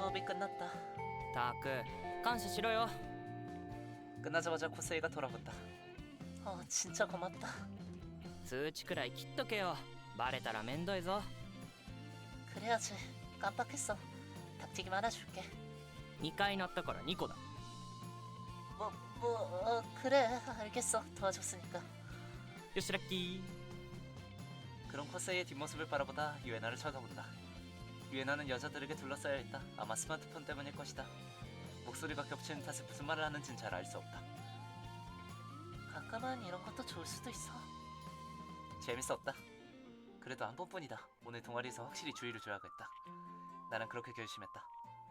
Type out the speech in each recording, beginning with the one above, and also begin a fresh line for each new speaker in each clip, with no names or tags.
수업이 끝났다.
たく感謝しろよ。
끝나자마자 코세이가 돌아본다. 진짜 고맙다.
通知くらい切っとけよ。バレたらめんどいぞ。
그래야지. 깜빡했어. 닭튀김 하나 줄게.
2回鳴ったから2個だ。
그래. 알겠어. 도와줬으니까.
よしラッキー。
그런 코세이의 뒷모습을 바라보다 유에나를 쳐다본다. 유에나는 여자들에게 둘러싸여 있다. 아마 스마트폰 때문일 것이다. 목소리가 겹치는 탓에 무슨 말을 하는지는 잘 알 수 없다. 가끔은 이런 것도 좋을 수도 있어. 재밌었다. 그래도 한 번뿐이다. 오늘 동아리에서 확실히 주의를 줘야겠다. 나는 그렇게 결심했다.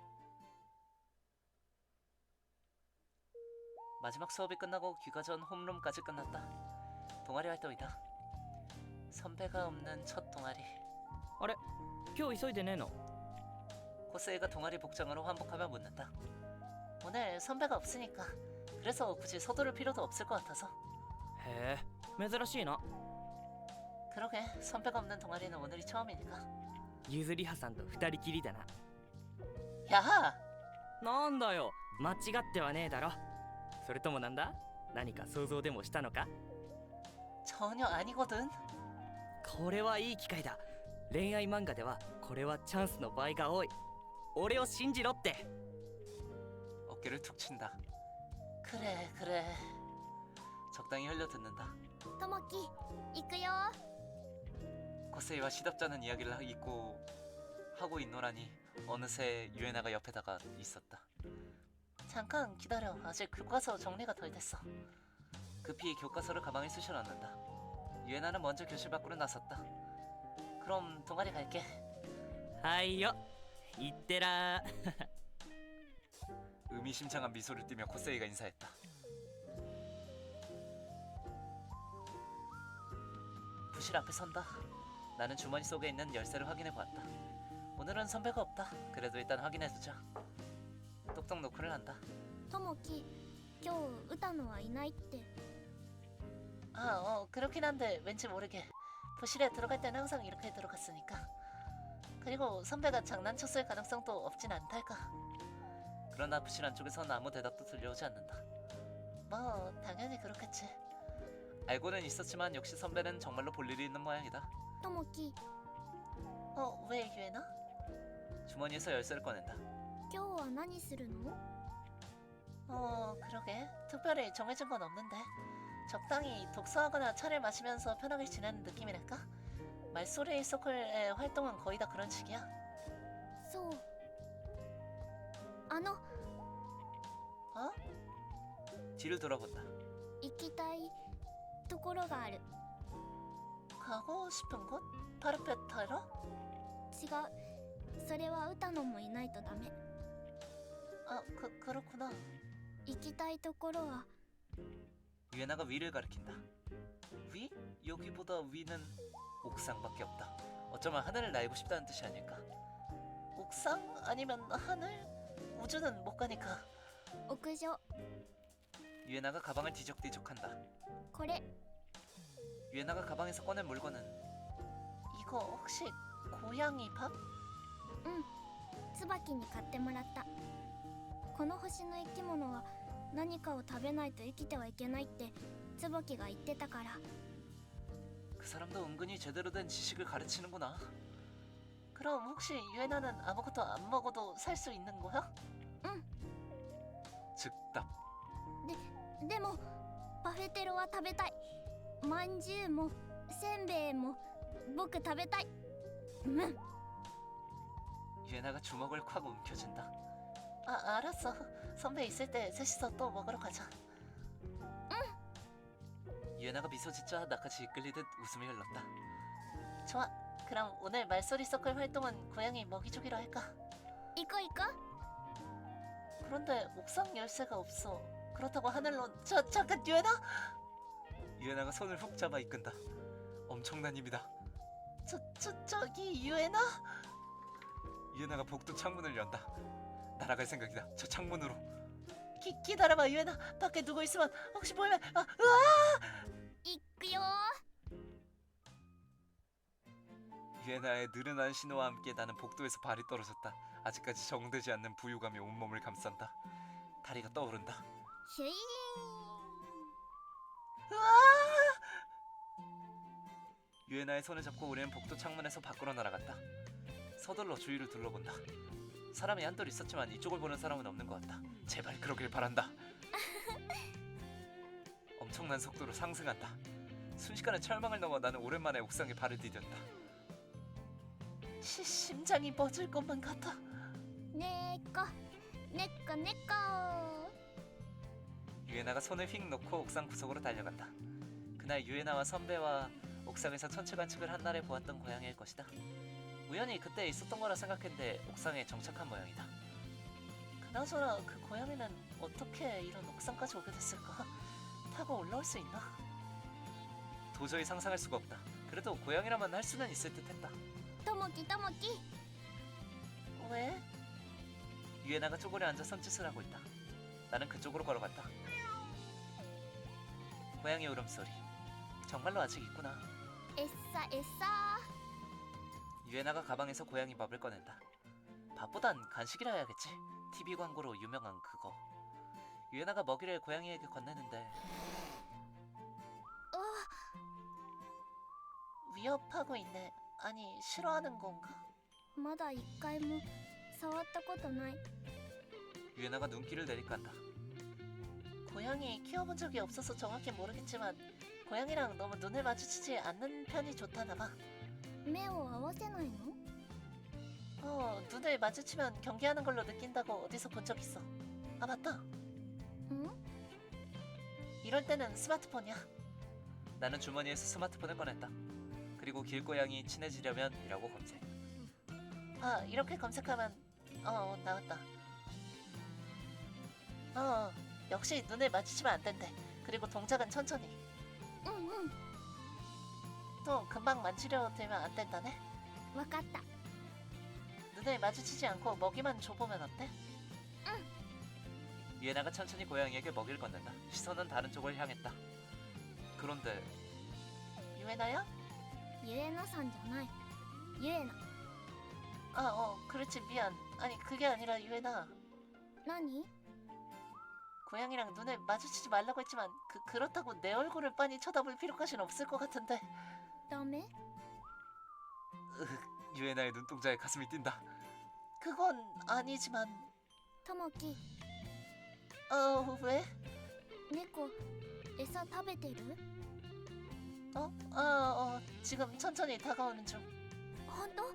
마지막 수업이 끝나고 귀가 전 홈룸까지 끝났다. 동아리 활동이다. 선배가 없는 첫 동아리.
あれ今日急いでねえの？
코세이가 동아리 복장으로 환복하며 묻는다. 오늘 선배가 없으니까. 그래서 굳이 서두를 필요도 없을 것 같아서.
へえ珍しいな。
그러게 선배가 없는 동아리는 오늘이 처음이니까.
ゆずりはさんと2人きりだな。
야!
なんだよ間違ってはねえだろ。それともなんだ何か想像でもしたのか？
전혀 아니거든.
これはいい機会だ。恋愛漫画ではこれはチャンスの場合が多い。俺を信じろって。
어깨를 툭 친다. 그래. 적당히 흘려듣는다.
ともき行くよ。
코세이와 시덥잖은 이야기를 잊고 하고 있노라니 어느새 유에나가 옆에다가 있었다. 잠깐 기다려. 아직 교과서 정리가 덜 됐어. 급히 교과서를 가방에 쑤셔 넣는다. 유에나는 먼저 교실 밖으로 나섰다. 그럼 동아리 갈게.
はいよいってらー。
의미심장한 미소를 띠며 코세이가 인사했다. 부실 앞에 선다. 나는 주머니 속에 있는 열쇠를 확인해 보았다. 오늘은 선배가 없다. 그래도 일단 확인해 두자. 똑똑 노크를 한다.
ともき今日歌野はいないって。
그렇긴 한데 왠지 모르게 부실에 들어갈 때는 항상 이렇게 들어갔으니까. 그리고 선배가 장난쳤을 가능성도 없진 않달까. 그러나 부실 안쪽에선 아무 대답도 들려오지 않는다. 뭐 당연히 그렇겠지. 알고는 있었지만 역시 선배는 정말로 볼 일이 있는 모양이다.
ともき
왜 유에나? 주머니에서 열쇠를 꺼낸다.
今日は何するの？
그러게 특별히 정해진 건 없는데 적당히 독서하거나 차를 마시면서 편하게 지내는 느낌이랄까? 말소리 서클의 활동은 거의 다 그런 식이야.
そう。
어? 뒤를 돌아본다.
行きたいところがある。
가고 싶은 곳? 파르페타라?
違う。それは歌野もいないとダメ。
그렇구나.
行きたいところは
유에나가 위를 가리킨다. 위? 여기보다 위는 옥상밖에 없다. 어쩌면 하늘을 날고 싶다는 뜻이 아닐까? 옥상? 아니면 하늘? 우주는 못 가니까.
屋上。
유에나가 가방을 뒤적뒤적한다.
これ
유에나가 가방에서 꺼낸 물건은 이거 혹시 고양이 밥?
椿に買ってもらった。この星の生き物は何かを食べないと生きてはいけないって椿が言ってたから。
그 사람도 은근히 제대로 된 지식을 가르치는구나. 그럼 혹시 유에나는 아무것도 안 먹어도 살 수 있는 거야?
응.
즉답.
でもパフェテロは食べたい。まんじゅうもせんべいも僕食べたい。
유에나가 주먹을 콱 움켜쥔다. 알았어. 선배 있을 때 셋이서 또 먹으러 가자. 유에나가 미소 짓자 나같이 이끌리듯 웃음이 흘렀다. 좋아. 그럼 오늘 말소리 서클 활동은 고양이 먹이주기로 할까?
行こう行こう。
그런데 옥상 열쇠가 없어. 그렇다고 하늘로 잠깐 유에나? 유에나가 손을 훅 잡아 이끈다. 엄청난 힘이다. 저기 유에나? 유에나가 복도 창문을 연다. 날아갈 생각이다. 저 창문으로. 기다려봐 유에나. 밖에 누구 있으면 혹시 보이면 으아!
行くよ。
유에나의 느른한 신호와 함께 나는 복도에서 발이 떨어졌다. 아직까지 정되지 않는 부유감이 온몸을 감싼다. 다리가 떠오른다.
ヒュイ
유에나의 손을 잡고 우리는 복도 창문에서 밖으로 날아갔다. 서둘러 주위를 둘러본다. 사람이 한둘 있었지만 이쪽을 보는 사람은 없는 것 같다. 제발 그러길 바란다. 엄청난 속도로 상승한다. 순식간에 철망을 넘어 나는 오랜만에 옥상에 발을 디뎠다. 심장이 멎을 것만 같아.
ねっこねっこねっこ
유에나가 손을 휙 놓고 옥상 구석으로 달려간다. 그날 유에나와 선배와 옥상에서 천체관측을 한날에 보았던 고양이일 것이다. 우연히 그때 있었던 거라 생각했는데 옥상에 정착한 모양이다. 그나저나 그 고양이는 어떻게 이런 옥상까지 오게 됐을까? 타고 올라올 수 있나? 도저히 상상할 수가 없다. 그래도 고양이라면 할 수는 있을 듯했다.
ともきともき
왜? 유에나가 쪼그려 앉아 손짓을 하고 있다. 나는 그쪽으로 걸어갔다. 고양이 울음소리. 정말로 아직 있구나.
えっさえっさ
유에나가 가방에서 고양이 밥을 꺼낸다. 밥보단 간식이라 해야겠지. TV 광고로 유명한 그거. 유에나가 먹이를 고양이에게 건네는데 위협하고 있네. 아니 싫어하는 건가?
まだ一回も触ったことない
유에나가 눈길을 내리깐다. 고양이 키워본 적이 없어서 정확히 모르겠지만 고양이랑 너무 눈을 마주치지 않는 편이 좋다나 봐.
目を合わせないの
눈을 마주치면 경계하는 걸로 느낀다고 어디서 본 적 있어. 아 맞다.
ん
이럴 때는 스마트폰이야. 나는 주머니에서 스마트폰을 꺼냈다. 그리고 길고양이 친해지려면 이라고 검색. 아 이렇게 검색하면 나왔다. 역시 눈을 마주치면 안 된대. 그리고 동작은 천천히.
うんうん
또 금방 만지려 들면 안 된다네.
わかった
눈을 마주치지 않고 먹이만 줘보면 어때? 유에나가 천천히 고양이에게 먹이를 건넨다. 시선은 다른 쪽을 향했다. 그런데 유에나야?
ゆえなさんじゃないゆえな
그렇지 미안. 아니 그게 아니라 유에나.
何
고양이랑 눈을 마주치지 말라고 했지만 그렇다고 내 얼굴을 빤히 쳐다볼 필요까지는 없을 것 같은데.
ダメ
유에나의 눈동자에 가슴이 뛴다. 그건 아니지만.
ともき
왜?
猫餌食べてる
지금 천천히 다가오는 중.
本当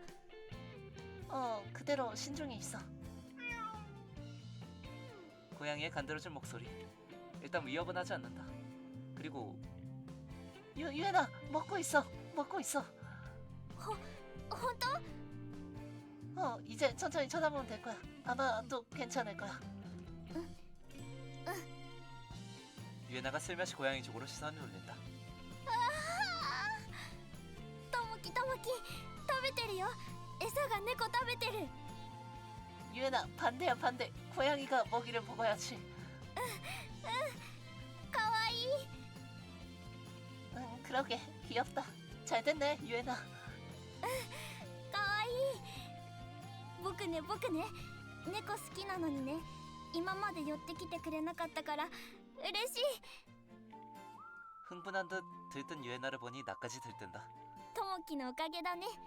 그대로 신중히 있어. 고양이의 간드러진 목소리. 일단 위협은 하지 않는다. 그리고 유에나 먹고 있어. 먹고 있어.
本当
이제 천천히 쳐다보면 될 거야. 아마 또 괜찮을 거야. 유에나가 슬며시 고양이 쪽으로 시선을 돌린다.
ともきともき食べてるよ餌が猫食べてる
유에나 반대야 반대. 고양이가 먹이를 먹어야지.
かわいい
응 그러게 귀엽다. 잘 됐네 유에나.
かわいい僕ね猫好きなのにね今まで寄ってきてくれなかったから嬉しい
흥분한 듯 들뜬 유에나를 보니 나까지 들뜬다.
ともきのおかげだね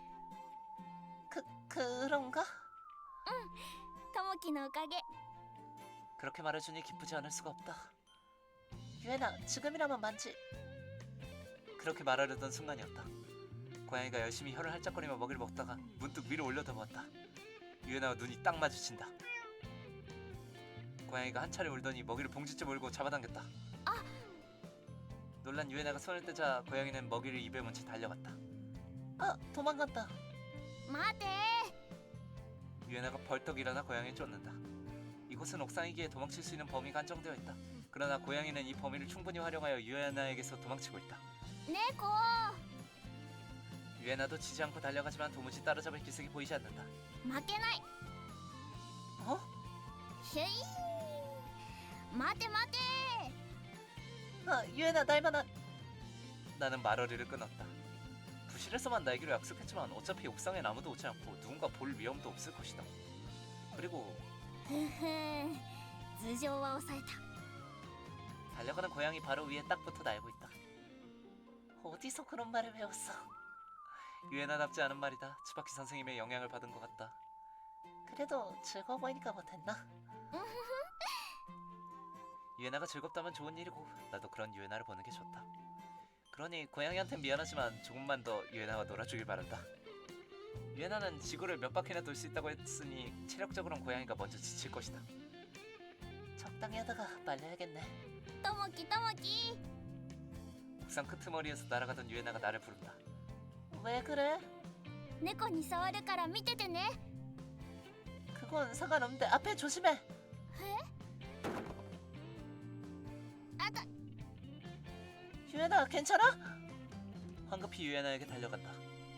그런가?
ともきのおかげ
그렇게 말해주니 기쁘지 않을 수가 없다. 유에나 지금이라면 만지. 그렇게 말하려던 순간이었다. 고양이가 열심히 혀를 할짝거리며 먹이를 먹다가 문득 위로 올려다보았다. 유에나와 눈이 딱 마주친다. 고양이가 한 차례 울더니 먹이를 봉지째 몰고 잡아당겼다. 놀란 유에나가 손을 떼자 고양이는 먹이를 입에 문채 달려갔다. 도망간다.
待て
유에나가 벌떡 일어나 고양이를 쫓는다. 이곳은 옥상이기에 도망칠 수 있는 범위가 한정되어 있다. 그러나 고양이는 이 범위를 충분히 활용하여 유에나에게서 도망치고 있다.
猫
유에나도 지지 않고 달려가지만 도무지 따라잡을 기색이 보이지 않는다.
負けない ひゅい待て待て
유에나 날만한. 나는 말어리를 끊었다. 부실에서만 날기로 약속했지만 어차피 옥상엔 아무도 오지 않고 누군가 볼 위험도 없을 것이다. 그리고
ふふん頭上は抑えた
달려가는 고양이 바로 위에 딱 붙어 날고 있다. 어디서 그런 말을 배웠어? 유에나답지 않은 말이다. 츠바키 선생님의 영향을 받은 것 같다. 그래도 즐거워 보이니까 못했나? 유에나가 즐겁다면 좋은 일이고 나도 그런 유에나를 보는 게 좋다. 그러니 고양이한텐 미안하지만 조금만 더 유에나와 놀아주길 바란다. 유에나는 지구를 몇 바퀴나 돌 수 있다고 했으니 체력적으로는 고양이가 먼저 지칠 것이다. 적당히 하다가 말려야겠네.
ともきともき
옥상 끄트머리에서 날아가던 유에나가 나를 부른다. 왜 그래?
猫に触るから見ててね
그건 상관없는데 앞에 조심해.
えあた
유에나 괜찮아? 황급히 유에나에게 달려간다.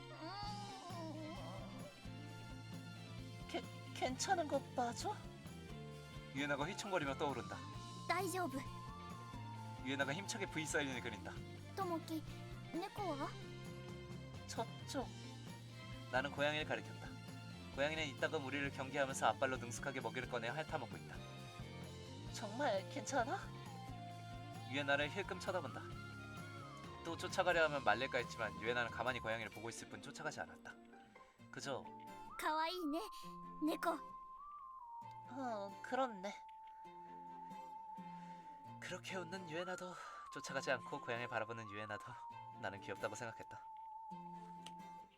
괜찮은 거 맞아? 유에나가 휘청거리며 떠오른다.
大丈夫
유에나가 힘차게 V 사인을 그린다.
ともき猫は
저쪽. 나는 고양이를 가리켰다. 고양이는 이따금 우리를 경계하면서 앞발로 능숙하게 먹이를 꺼내 핥아먹고 있다. 정말 괜찮아? 유에나를 힐끔 쳐다본다. 또 쫓아가려 하면 말릴까 했지만 유에나는 가만히 고양이를 보고 있을 뿐 쫓아가지 않았다. 그저
かわいいね猫
그렇네. 그렇게 웃는 유에나도 쫓아가지 않고 고양이를 바라보는 유에나도 나는 귀엽다고 생각했다.